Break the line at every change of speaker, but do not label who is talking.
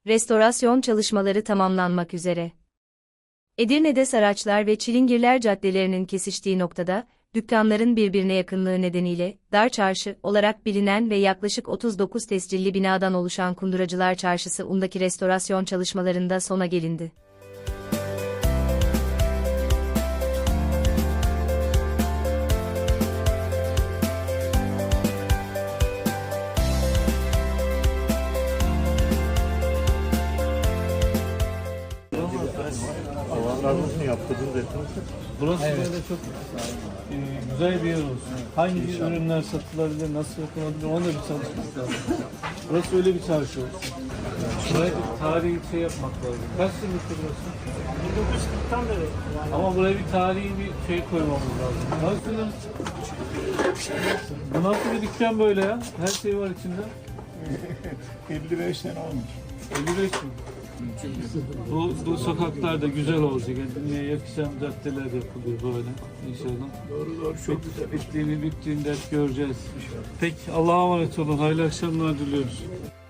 Restorasyon çalışmaları tamamlanmak üzere. Edirne'de Saraçlar ve Çilingirler caddelerinin kesiştiği noktada, dükkanların birbirine yakınlığı nedeniyle, Dar Çarşı olarak bilinen ve yaklaşık 39 tescilli binadan oluşan Kunduracılar Çarşısı undaki restorasyon çalışmalarında sona gelindi.
Alanlarınızı yaptırdınız ettiniz.
Burası böyle çok güzel bir yer olsun. Hangi ürünler satılabilir, nasıl yapılabilir onu da bir çalışmak lazım. Burası öyle bir çarşı olsun. Buraya bir tarihi şey yapmak lazım. Kaç yıllıktır burası?
1940'tan beri.
Ama buraya bir tarihi bir şey koymamız lazım. Nasıl? Bu nasıl bir dükkan böyle ya? Her şey var içinde.
55 sene olmuş.
55 mi? Bu sokaklar da güzel olacak. Kendine yakışan caddeler yapılıyor böyle inşallah.
Doğru çok güzel.
Bittiğinde hep göreceğiz. Peki Allah'a emanet olun. Hayırlı akşamlar diliyoruz.